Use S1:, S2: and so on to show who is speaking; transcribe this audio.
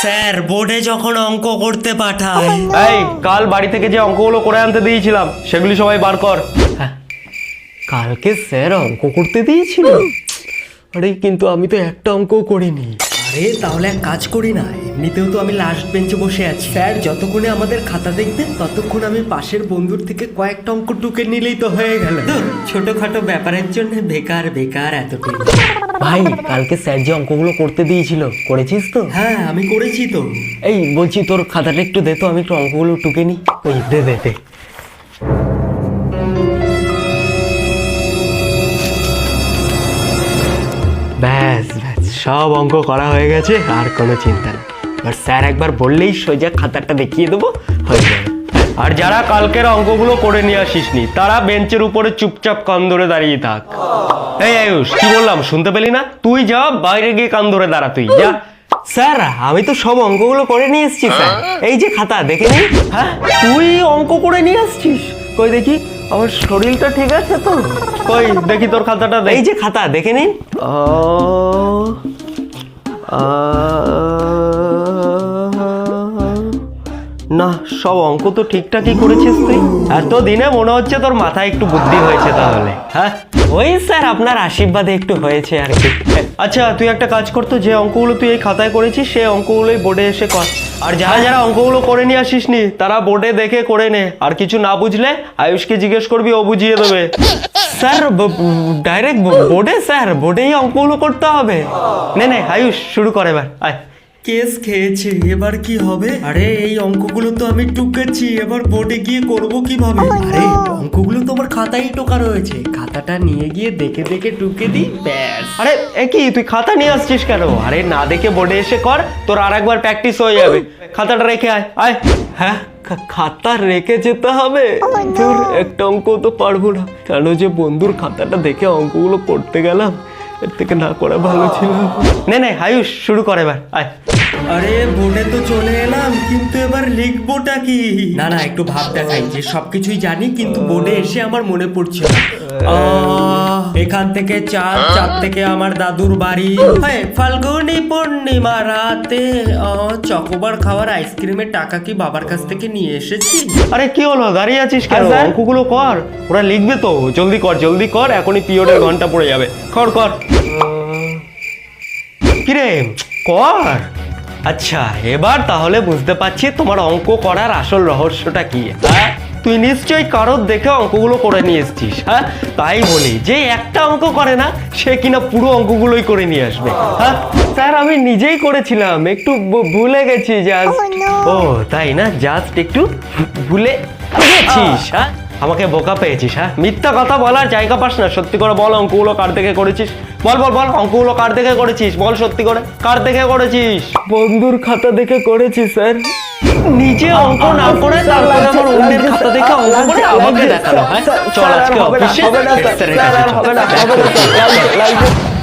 S1: Sir বোর্ডে যখন অঙ্ক করতে পাঠায়।
S2: এই কাল বাড়ি থেকে যে অঙ্কগুলো করে আনতে দিয়েছিলাম সেগুলি সবাই বার কর। কালকে স্যার অঙ্ক করতে দিয়েছিল? আরে কিন্তু আমি তো একটা অঙ্কও করিনি।
S1: আরে তাহলে এক কাজ করি না, এমনিতেও তো আমি লাস্ট বেঞ্চে বসে আছি, স্যার যতক্ষণে আমাদের খাতা দেখবেন ততক্ষণ আমি পাশের বন্ধুর থেকে কয়েকটা অঙ্ক টুকে নিলেই তো হয়ে গেল। ছোটখাটো ব্যাপারের জন্য বেকার বেকার এতটুকু।
S2: ভাই কালকে স্যার যে অঙ্কগুলো করতে দিয়েছিল করেছিস তো?
S1: হ্যাঁ আমি করেছি তো।
S2: এই বলছি তোর খাতাটা একটু দে তো, আমি একটু অঙ্কগুলো টুকে নি। ওই দে দে দে। ব্যাস ব্যাস সব অঙ্ক করা হয়ে গেছে, আর কোনো চিন্তা নেই। এবার স্যার একবার বললেই সোজা খাতাটা দেখিয়ে দেবো, হয়ে যাবে। আর যারা কালকের অঙ্কগুলো করে নিয়ে আসিসনি তারা বেঞ্চের উপরে চুপচাপ কান ধরে দাঁড়িয়ে থাক। এই আয়ুষ কি বললাম শুনতে পেলি না? তুই যা বাইরে গিয়ে কান ধরে দাঁড়া, তুই যা। স্যার আমি তো সব অঙ্কগুলো করে নিয়ে এসেছি স্যার, এই যে খাতা দেখে নি। হ্যাঁ তুই অঙ্ক করে নিয়ে আসছিস? কই দেখি, আমার শরীরটা ঠিক আছে তো? কই দেখি তোর খাতাটা, এই যে খাতা দেখে নিন। না সব অঙ্ক তো ঠিকঠাকই করেছিস তুই। এতদিনে মনে হচ্ছে তোর মাথায় একটু বুদ্ধি হয়েছে তাহলে। হ্যাঁ ওই স্যার আপনার আশীর্বাদে একটু হয়েছে আর কি। আচ্ছা তুই একটা কাজ করতো, যে অঙ্কগুলো তুই এই খাতায় করেছিস সেই অঙ্কগুলোই বোর্ডে এসে কর। আর যারা যারা অঙ্কগুলো করে নিয়ে আসিসনি তারা বোর্ডে দেখে করে নে, আর কিছু না বুঝলে আয়ুষকে জিজ্ঞেস করবি, ও বুঝিয়ে দেবে। স্যার ডাইরেক্ট বোর্ডে? স্যার বোর্ডেই অঙ্কগুলো করতে হবে? নে নে আয়ুষ শুরু করে এবার, আয়।
S1: কেস খেয়েছে, এবার কি হবে? আরে এই অঙ্কগুলো তো আমি টুকেছি, এবার বোর্ডে গিয়ে করব কিভাবে? আরে অঙ্কগুলো তো আমার খাতায় টোকা রয়েছে, খাতাটা নিয়ে গিয়ে দেখে দেখে টুকে দিই, ব্যাস।
S2: আরে কি তুই খাতা নিয়ে আসছিস কেন? আরে না দেখে বোর্ডে এসে কর, তোর আর একবার প্র্যাকটিস হয়ে যাবে। খাতাটা রেখে আয়, আয়। হ্যাঁ খাতা রেখে যেতে হবে? তোর একটা অঙ্ক তো পারবো না, কেন যে বন্ধুর খাতাটা দেখে অঙ্কগুলো করতে গেলাম, এর থেকে না করা ভালো ছিল। নে নে আয়ুষ শুরু করে এবার, আয়।
S1: আরে বোর্ডে তো চলে এলাম, কিন্তু এবার লিখবোটা কি? না না একটু ভাব দেখাই যে সবকিছুই জানি, কিন্তু বোর্ডে এসে আমার মনে পড়ছে না। এখান থেকে চাঁদ, চাঁদ থেকে আমার দাদুর বাড়ি, ফাল্গুনি পূর্ণিমা রাতে চকোবার খাওয়ার আইসক্রিমের টাকা কি বাবার কাছ থেকে নিয়ে এসেছি?
S2: আরে কি হলো দাঁড়িয়ে আছিস কেন? অঙ্কগুলো কর, ওরা লিখবে তো। জলদি কর জলদি কর, এখনই পিরিয়ডের ঘন্টা পড়ে যাবে। কর কর। কিরে কর। আচ্ছা এবার তাহলে বুঝতে পারছি তোমার অঙ্ক করার আসল রহস্যটা কি। হ্যাঁ তুই নিশ্চয়ই কারোর দেখে অঙ্কগুলো করে নিয়ে এসছিস। হ্যাঁ তাই বলি যে একটা অঙ্ক করে না সে কিনা পুরো অঙ্কগুলোই করে নিয়ে আসবে। হ্যাঁ স্যার আমি নিজেই করেছিলাম, একটু ভুলে গেছি জাস্ট। ও তাই না, জাস্ট একটু ভুলে গেছিস? হ্যাঁ আমাকে বোকা পেয়েছিস? হ্যাঁ মিথ্যা কথা বলার জায়গা পাস না, সত্যি করে বল অঙ্কগুলো কার দেখে করেছিস? বল বল বল অঙ্কগুলো কার দেখে করেছিস? বল সত্যি করে কার দেখে করেছিস? বন্ধুর খাতা দেখে করেছি স্যার। নিজে অঙ্ক না করে তারপরে আমার অন্যের খাতা দেখে অঙ্ক করে আমাকে দেখালো। হ্যাঁ চল আজকে অফিসে স্যারের কাছে চল।